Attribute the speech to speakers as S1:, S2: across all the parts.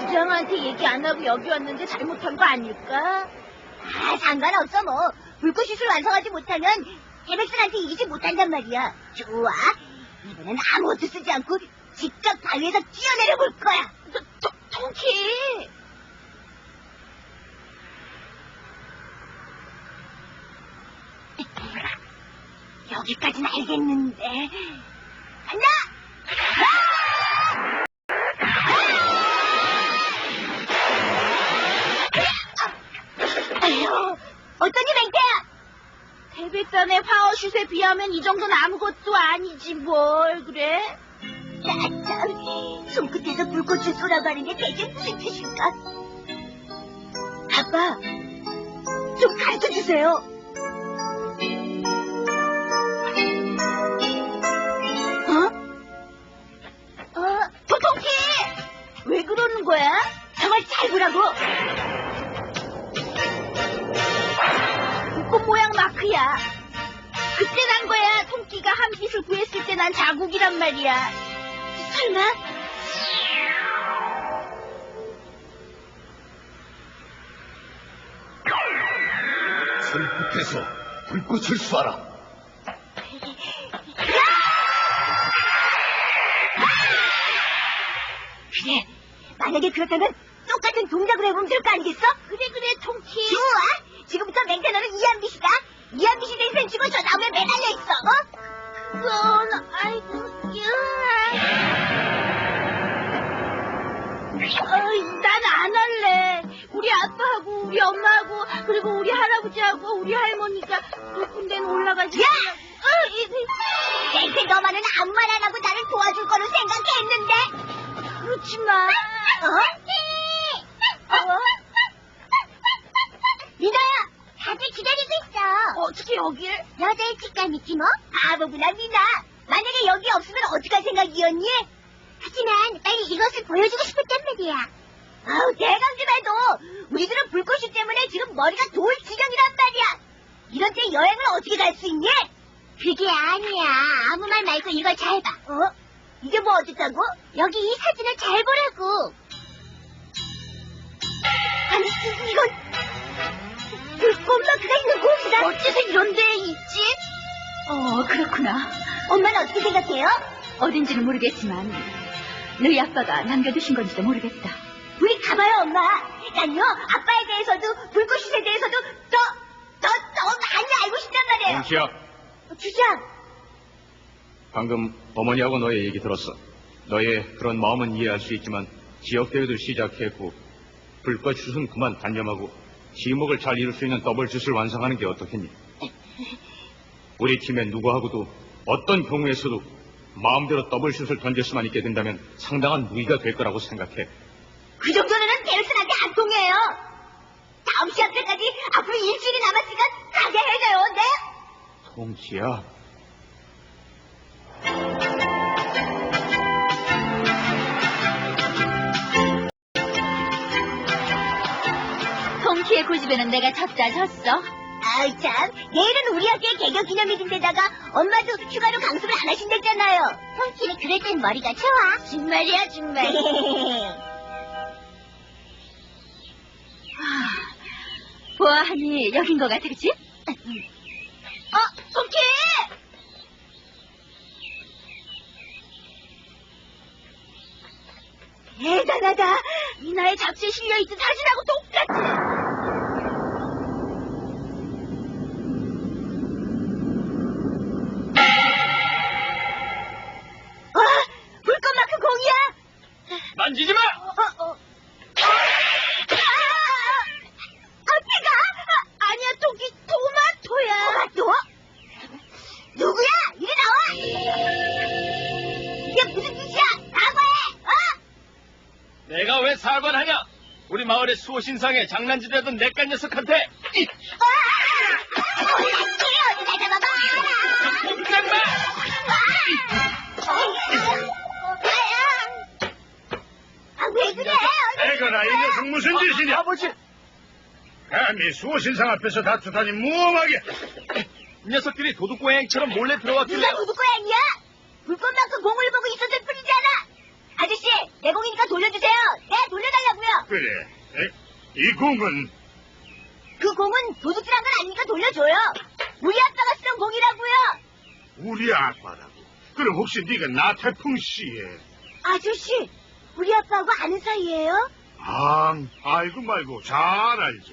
S1: 부장한테 얘기 안 하고 여기 왔는데 잘못한 거 아닐까?
S2: 아, 상관없어 뭐. 불꽃슛을 완성하지 못하면 태백슨한테 이기지 못한단 말이야. 좋아. 이번엔 아무것도 쓰지 않고 직접 바위에서 뛰어내려 볼 거야.
S1: 통키!
S2: 여기까지는 알겠는데. 간다! 아휴, 어떠니 맹태야?
S1: 태백산의 파워슛에 비하면 이 정도는 아무것도 아니지 뭘 그래?
S2: 나참 손끝에서 불꽃을 쏘라가는 게 대체 무슨 뜻일까? 아빠, 좀 가르쳐주세요.
S1: 토통키! 왜 그러는 거야?
S2: 정말 잘 보라고.
S1: 불꽃 모양 마크야. 그때 난 거야. 통키가 한 빛을 구했을 때 난 자국이란 말이야.
S2: 설마?
S3: 손끝에서 불꽃을 쏴라.
S2: 그래, 만약에 그렇다면 똑같은 동작을 해보면 될 거 아니겠어?
S1: 그래 통키.
S2: 좋아. 지금부터 맹태 너는 이한빛이다. 이한빛이 된 셈치고 저 나무에 매달려 있어.
S1: 그건 아이고 난 안 할래. 우리 아빠하고 우리 엄마하고 그리고 우리 할아버지하고 우리 할머니가 높은 데는 올라가지.
S2: 야! 맹태 너만은 아무 말 안 하고 나를 도와줄 거로 생각했는데.
S1: 그렇지만
S2: 미나야, 다들 기다리고 있어.
S1: 어떻게 여길?
S2: 여자의 직감이지 뭐. 바보구나 미나. 만약에 여기 없으면 어떡할 생각이었니? 하지만 빨리 이것을 보여주고 싶었단 말이야. 아우, 대강 좀 해도 우리들은 불꽃슛 때문에 지금 머리가 돌 지경이란 말이야. 이런 때 여행을 어떻게 갈 수 있니? 그게 아니야. 아무 말 말고 이걸 잘 봐. 이게 뭐 어쨌다고? 여기 이 사진을 잘 보라고. 아니, 이건 불꽃 마크가 있는 곳이다.
S1: 어째서 이런 데에 있지? 그렇구나.
S2: 엄마는 어떻게 생각해요?
S1: 어딘지는 모르겠지만 너희 아빠가 남겨두신 건지도 모르겠다.
S2: 우리 가봐요, 엄마. 난요, 아빠에 대해서도 불꽃슛에 대해서도 더 많이 알고 싶단 말이에요.
S3: 동키야,
S2: 주장.
S3: 방금 어머니하고 너의 얘기 들었어. 너의 그런 마음은 이해할 수 있지만 지역대회도 시작했고 불꽃슛은 그만 단념하고 지목을 잘 이룰 수 있는 더블슛을 완성하는 게 어떻겠니? 우리 팀의 누구하고도 어떤 경우에서도 마음대로 더블슛을 던질 수만 있게 된다면 상당한 무기가 될 거라고 생각해.
S2: 그 정도는 베르슨한테 안 통해요. 다음 시합 때까지 앞으로 일주일이 남았으니까 가게 해줘요, 네?
S3: 동키야.
S1: 통키의 고집에는 내가 졌다 졌어.
S2: 아이 참, 내일은 우리 학교의 개교 기념일인데다가 엄마도 휴가로 강습을 안 하신댔잖아요. 솔직히 그럴 땐 머리가 좋아.
S1: 정말이야 정말. 보아하니 여긴 것 같아, 그치?
S2: 통키! 대단하다.
S1: 미나의 잡지에 실려있던 사진하고 똑같아.
S2: 불꽃 마크 공이야.
S3: 만지지 마!
S2: 어깨가?
S1: 아니야, 토끼 토마토야.
S2: 토마토? 누구야? 이리 나와. 이게 무슨 짓이야? 사과해.
S4: 내가 왜 사과하냐? 우리 마을의 수호신상에 장난질하던 내깟 녀석한테
S2: 어디다 잡아봐.
S4: 깜빡!
S2: 왜 그래?
S3: 에거라, 이 녀석 무슨 짓이냐?
S4: 아버지!
S3: 감히 수호신상 앞에서 다투다니 무엄하게.
S4: 이 녀석들이 도둑고양이처럼 몰래
S2: 누가
S4: 들어왔길래
S2: 도둑고양이야? 불꽃만큼 공을 보고 있었을 뿐이잖아. 아저씨, 내 공이니까 돌려주세요. 네, 돌려달라고요.
S5: 그래. 이 공은
S2: 그 공은 도둑질한 건 아니니까 돌려줘요. 우리 아빠가 쓰던 공이라고요.
S5: 우리 아빠라고. 그럼 혹시 네가 나태풍 씨의?
S2: 아저씨, 우리 아빠하고 아는 사이예요?
S5: 알고 말고 잘 알지.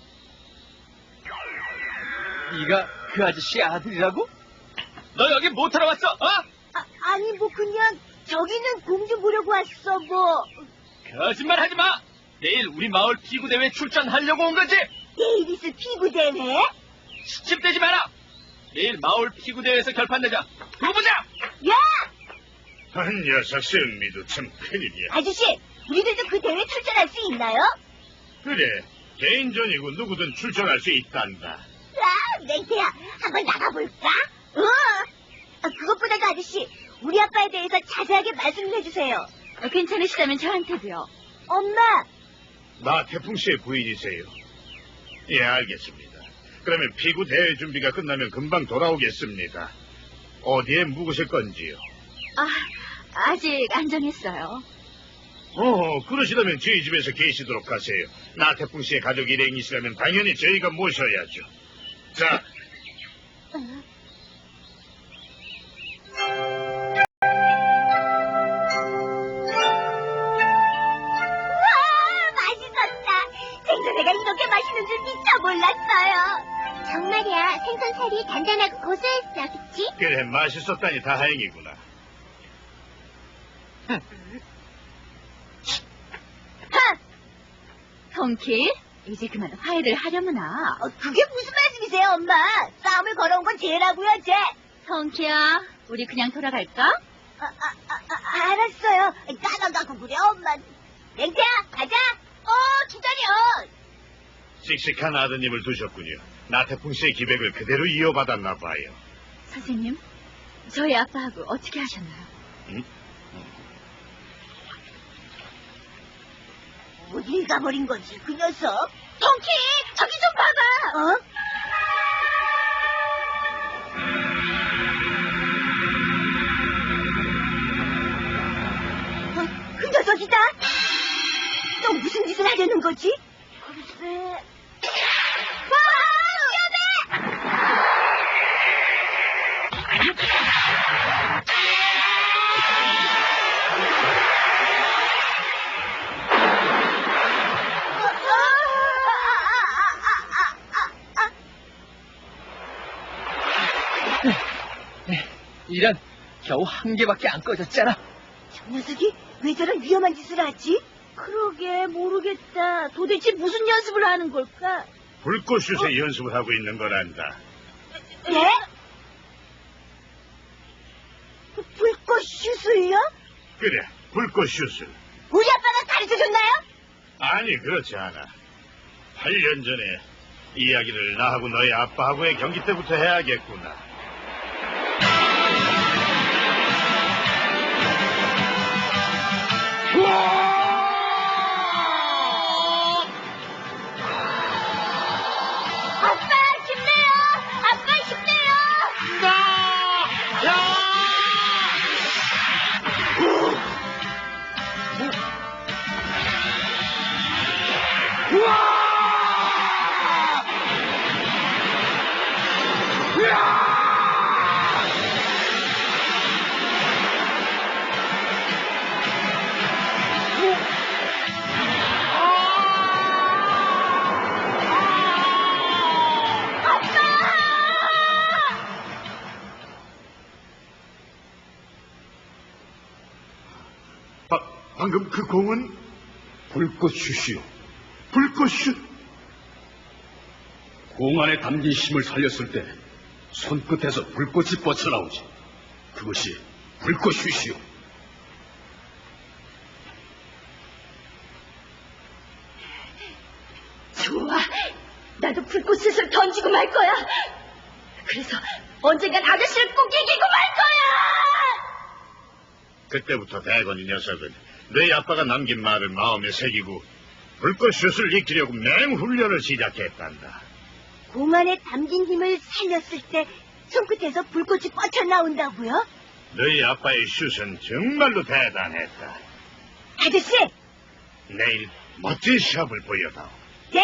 S4: 네가 그 아저씨 아들이라고? 너 여기 못 하러 왔어? 어?
S2: 아니 뭐 그냥 저기 있는 공 좀 보려고 왔어 뭐.
S4: 거짓말 하지 마. 내일 우리 마을 피구 대회 출전하려고 온 거지.
S2: 내일 있을 피구 대회?
S4: 시집대지 마라. 내일 마을 피구 대회에서 결판 내자. 두고 보자.
S2: 야!
S5: 한 녀석 승미도 참 큰일이야.
S2: 아저씨, 우리들도 그 대회 출전할 수 있나요?
S5: 그래. 개인전이고 누구든 출전할 수 있단다.
S2: 맹태야, 한번 나가볼까? 그것보다도 아저씨, 우리 아빠에 대해서 자세하게 말씀을 해주세요.
S1: 괜찮으시다면 저한테도요.
S2: 엄마!
S5: 나태풍 씨의 부인이세요. 예, 알겠습니다. 그러면 피구 대회 준비가 끝나면 금방 돌아오겠습니다. 어디에 묵으실 건지요?
S1: 아직 안 정했어요.
S5: 그러시다면 저희 집에서 계시도록 하세요. 나태풍 씨의 가족 일행이시라면 당연히 저희가 모셔야죠. 자,
S2: 우와, 맛있었다. 생선회가 이렇게 맛있는 줄 미처 몰랐어요. 정말이야, 생선살이 단단하고 고소했어, 그치?
S5: 그래, 맛있었다니 다행이구나.
S1: 통키, 이제 그만 화해를 하려무나.
S2: 그게 무슨 말씀이세요, 엄마? 싸움을 걸어온 건 쟤라고요, 쟤.
S1: 통키야, 우리 그냥 돌아갈까?
S2: 알았어요. 까먹고 그래, 엄마. 맹태야, 가자. 기다려.
S5: 씩씩한 아드님을 두셨군요. 나태풍 씨의 기백을 그대로 이어받았나 봐요.
S1: 선생님, 저희 아빠하고 어떻게 하셨나요?
S5: 응?
S2: 어딜 가버린 거지, 그 녀석? 통키, 저기 좀 봐봐. 그 녀석이다. 또 무슨 짓을 하려는 거지? 글쎄. 위험해!
S4: 이런, 겨우 한 개밖에 안 꺼졌잖아.
S2: 저 녀석이 왜 저런 위험한 짓을 하지?
S1: 그러게, 모르겠다. 도대체 무슨 연습을 하는 걸까?
S5: 불꽃슛에 연습을 하고 있는 거란다.
S2: 네? 불꽃 슛을요?
S5: 그래, 불꽃슛을.
S2: 우리 아빠가 가르쳐줬나요?
S5: 아니, 그렇지 않아. 8년 전에 이야기를 나하고 너희 아빠하고의 경기 때부터 해야겠구나.
S2: 아빠 힘내요! 아빠 힘내요!
S5: 방금 그 공은 불꽃슛이요. 불꽃슛.
S3: 공 안에 담긴 힘을 살렸을 때 손끝에서 불꽃이 뻗쳐나오지. 그것이 불꽃슛이요.
S1: 좋아. 나도 불꽃을 던지고 말 거야. 그래서 언젠간 아저씨를 꼭 이기고 말 거야!
S5: 그때부터 대건 이 녀석은 너희 아빠가 남긴 말을 마음에 새기고 불꽃슛을 익히려고 맹훈련을 시작했단다.
S2: 공 안에 담긴 힘을 살렸을 때 손끝에서 불꽃이 뻗쳐나온다고요?
S5: 너희 아빠의 슛은 정말로 대단했다.
S2: 아저씨!
S5: 내일 멋진 시합을 보여다오.
S2: 네.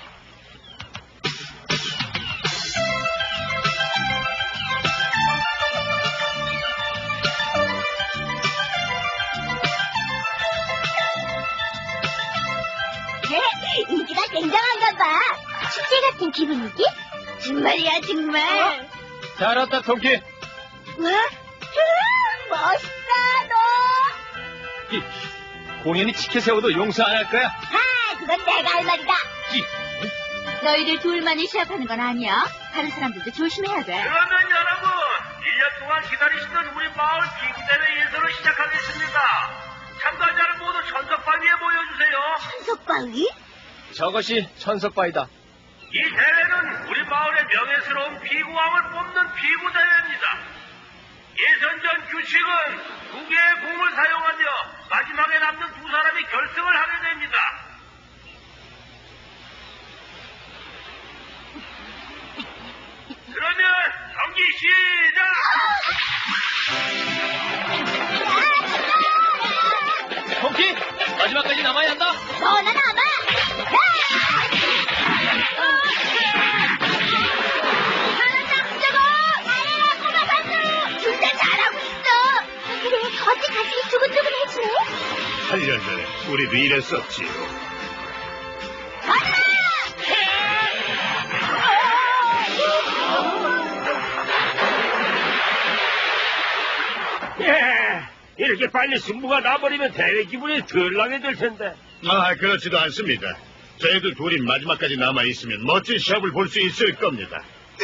S2: 인기가 굉장한가 봐. 축제 같은 기분이지? 정말이야, 정말.
S4: 잘 왔다, 통키.
S2: 와, 멋있다, 너.
S4: 이, 공연이 치켜 세워도 용서 안 할 거야.
S2: 아, 그건 내가 할 말이다.
S1: 너희들 둘만이 시합하는 건 아니야. 다른 사람들도 조심해야 돼.
S6: 그러면 여러분, 1년 동안 기다리시던 우리 마을 비구대회 예선을 시작하겠습니다. 참가자는 모두 천석바위에 모여주세요.
S2: 천석바위?
S4: 저것이 천석바위다.
S6: 이 대회는 우리 마을의 명예스러운 비구왕을 뽑는 비구대회입니다. 예선전 규칙은 2개의 공을 사용하며 마지막에 남는 2사람이 결승을 하게 됩니다. 그러면 경기 시작!
S4: 통키, 마지막까지 남아야 한다.
S2: 너나 남아! 잘한다, hun자고! 잘해라, 꼬마 반수! 둘 다 잘하고 있어! 그래, 어째 가슴이 두근두근해지네?
S5: 8년 전에 우리도 이랬었지요.
S6: 이렇게 빨리 승부가 나버리면 대회 기분이 덜 나게 될 텐데.
S5: 아, 그렇지도 않습니다. 저희들 둘이 마지막까지 남아있으면 멋진 시합을 볼 수 있을 겁니다.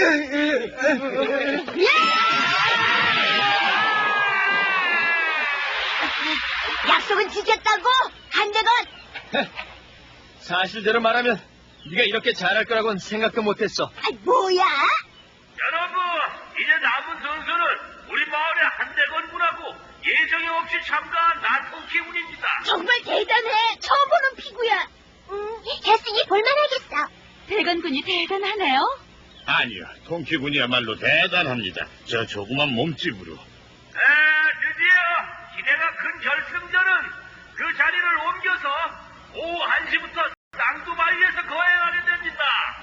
S2: 약속은 지켰다고? 한대건!
S4: 사실대로 말하면 네가 이렇게 잘할 거라고는 생각도 못했어.
S2: 아, 뭐야?
S6: 여러분, 이제 남은 선수는 우리 마을의 한대건 군하고 예정이 없이 참가한 나통키 군입니다.
S2: 정말 대단해. 처음 보는 피구야. 했으니 볼만하겠어.
S1: 대건군이 대단하네요.
S5: 아니요, 통키군이야말로 대단합니다. 저 조그만 몸집으로.
S6: 드디어 기대가 큰 결승전은 그 자리를 옮겨서 오후 1시부터 쌍두바위에서 거행하게 됩니다.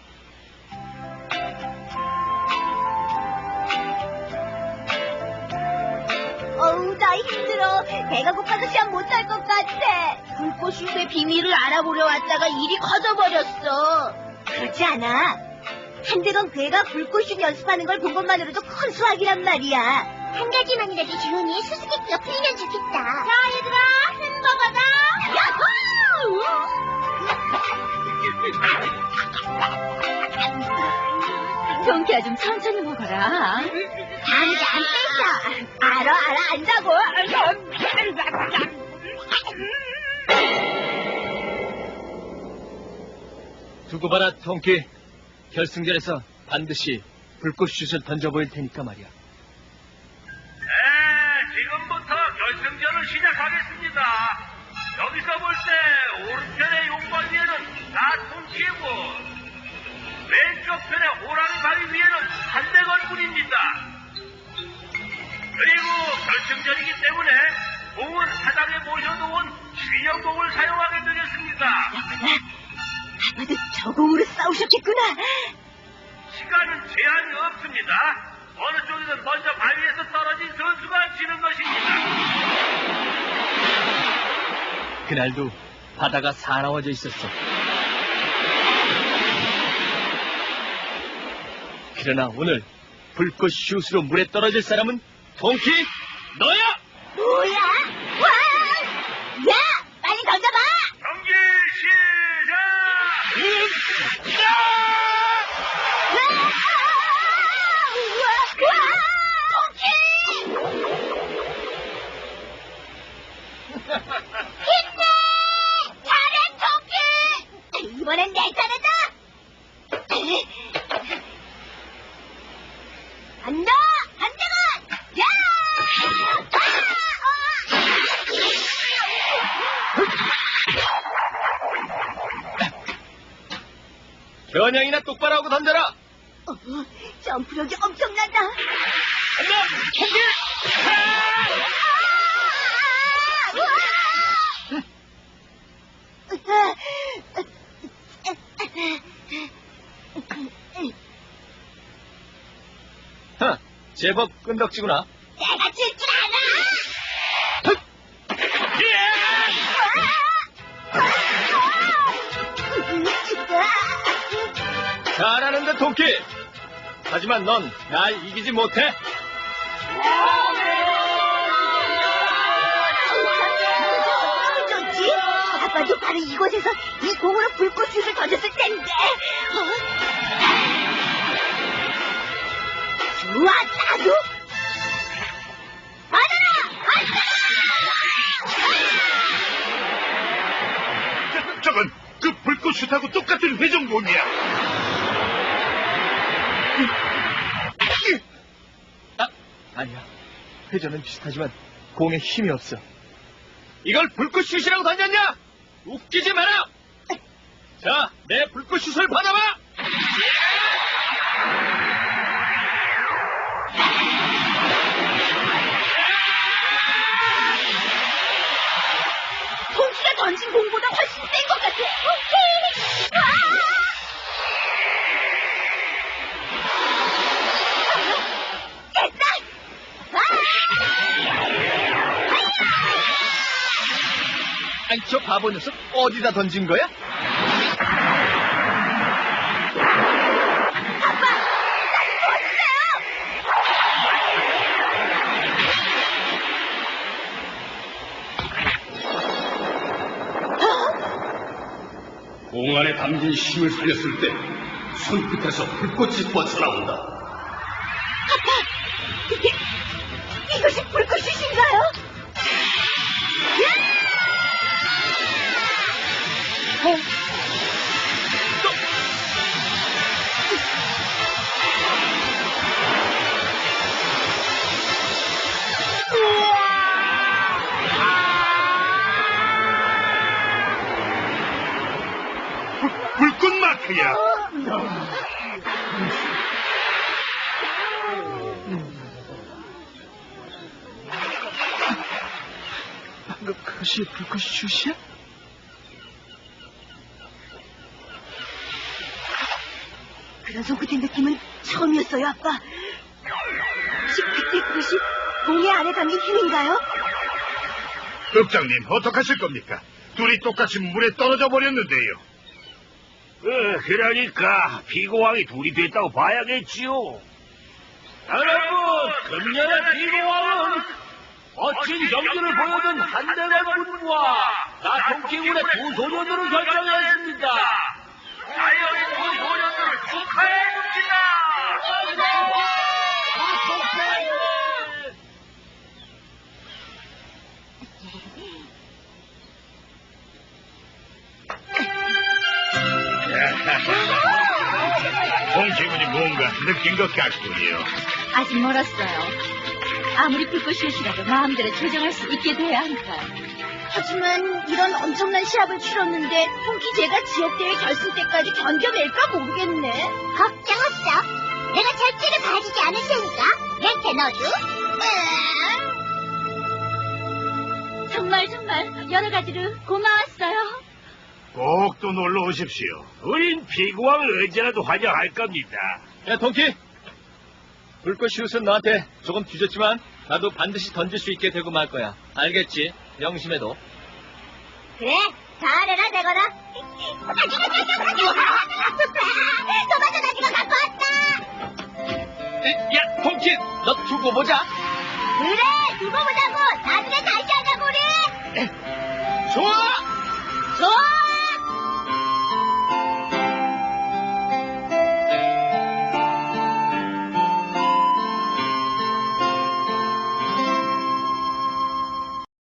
S2: 어우, 나 힘들어. 배가 고파서 시합 못할 것 같아. 불꽃슛의 비밀을 알아보려 왔다가 일이 커져버렸어. 그렇지 않아? 한대건 괴가 불꽃슛 연습하는 걸 본 것만으로도 큰 수확이란 말이야. 한 가지만이라도 주은이 수수께끼가 풀리면 좋겠다. 자, 얘들아, 햄버거 받아. 야호!
S1: 동키야 좀 천천히 먹어라.
S2: 감기 안 뺐어. 알아, 안다고.
S4: 두고 봐라, 통키. 결승전에서 반드시 불꽃슛을 던져보일 테니까 말이야.
S6: 지금부터 결승전을 시작하겠습니다. 여기서 볼 때 오른편의 용바위에는 나통키고 왼쪽 편의 호랑이 바위 위에는 한대건 군입니다. 그리고 결승전이기 때문에 공은 사당에 모셔놓은 주영공을 사용하게 되겠습니다.
S2: 아마도 저 공으로 싸우셨겠구나.
S6: 시간은 제한이 없습니다. 어느 쪽이든 먼저 바위에서 떨어진 선수가 지는 것입니다.
S4: 그날도 바다가 사나워져 있었어. 그러나 오늘 불꽃 슛으로 물에 떨어질 사람은 통키 너야!
S2: 뭐야? 와! 야! 빨리 던져봐!
S6: 경기 시작!
S2: 힘내! 잘해, 토끼! 이번엔 내 차례다! 간다! 한대건! 야!
S4: 겨냥이나 똑바로 하고 던져라!
S2: 점프력이 엄청난다!
S4: 간다! 통키! 제법 끈덕지구나.
S2: 내가 질 줄 알아!
S4: 잘하는데, 통키. 하지만 넌 날 이기지 못해.
S2: 좋지? 아빠도 바로 이곳에서 이 공으로 불꽃슛을 던졌을 텐데. 좋아, 나도. 받아라!
S5: 저건 그 불꽃슛하고 똑같은 회전공이야.
S4: 아니야. 회전은 비슷하지만 공에 힘이 없어. 이걸 불꽃슛이라고 던졌냐? 웃기지 마라! 자, 내 불꽃슛을 받아봐!
S1: 통키가 던진 공보다 훨씬 센 것 같아.
S4: 아니, 저 바보 녀석 어디다 던진 거야?
S3: 공 안에 담긴 힘을 살렸을 때 손끝에서 불꽃이 뻗쳐나온다.
S1: 이것이 불꽃슛인가요?
S5: 불꽃 마크야.
S4: 방금 그것이 불꽃슛이야?
S1: 그런 속끝의 느낌은 처음이었어요, 아빠. 혹시 그때 그것이 공의 안에 담긴 힘인가요?
S5: 읍장님, 어떡하실 겁니까? 둘이 똑같이 물에 떨어져 버렸는데요.
S6: 그러니까 피고왕이 둘이 됐다고 봐야겠지요. 여러분, 금년의 피고왕은 멋진 경기를 보여준 한대관 군과 나통키군의 두 소년으로 결정했습니다. 자연의 두 소년들을 축하해줍니다.
S5: 홍기분이 뭔가 느낀 것 같군요.
S1: 아직 멀었어요. 아무리 불꽃슛이라도 마음대로 조정할 수 있게 돼야 하니까. 하지만 이런 엄청난 시합을 치렀는데 통키 제가 지역대회 결승 때까지 견뎌낼까 모르겠네.
S2: 걱정 없어. 내가 절대로 봐주지 않을 테니까. 렌트 너도.
S1: 정말 여러 가지로 고마웠어요.
S5: 꼭 또 놀러 오십시오.
S6: 우린 피고왕을 언제라도 환영할 겁니다.
S4: 야, 통키! 불꽃슛은 너한테 조금 뒤졌지만 나도 반드시 던질 수 있게 되고 말 거야. 알겠지? 명심해도.
S2: 그래, 잘해라, 내거라. 토마토 다지가 갖고 왔다.
S4: 야, 통키! 너 두고 보자.
S2: 그래, 두고 보자고. 나중에 다시 하자고, 우리.